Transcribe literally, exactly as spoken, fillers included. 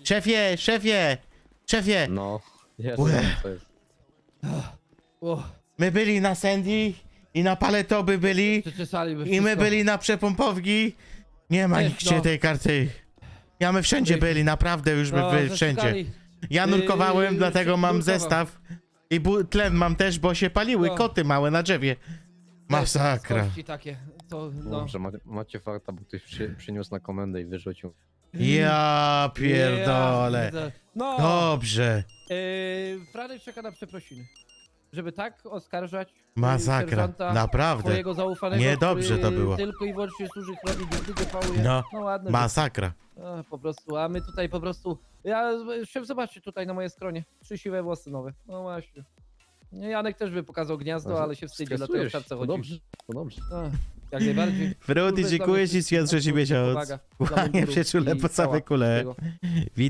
Szefie, szefie, szefie. No, jest, Łe. to jest. O, My byli na Sandy i na Paletoby byli przeczesaliby i my wszystko. byli na Przepompowki. Nie ma Jest, nigdzie no. tej karty. Ja my wszędzie byli, naprawdę już my No, byli wszędzie. zaszukali. Ja nurkowałem, Yy, dlatego mam nurkował. zestaw. I bu- tlen mam też, bo się paliły No. koty małe na drzewie. Masakra. Kości takie, to no. Dobrze, macie, macie farta, bo ktoś przy, przyniósł na komendę i wyrzucił. Ja pierdolę. Ja, no, Dobrze. yy, Franek czeka na przeprosiny. Żeby tak oskarżać yy, Masakra. sierżanta Naprawdę. swojego zaufanego, Niedobrze który to było. tylko i wyłącznie służy chlebie, nigdy nie pałuje. No, no ładne. Masakra. A, po prostu, a my tutaj po prostu... Ja, szef, zobaczcie tutaj na moje skronie. Trzy siwe włosy nowe. No właśnie. Janek też by pokazał gniazdo, ale się wstydzi, dlatego w Stresujesz czapce się, to chodzi. dobrze, to dobrze. A, jak najbardziej. Frudy, Kurwy, dziękuję dla mnie ci, świat trzeci wszystko. miesiąc. Powaga dla Kłaniam mundurów się czule i po same cała kule. wszystkiego.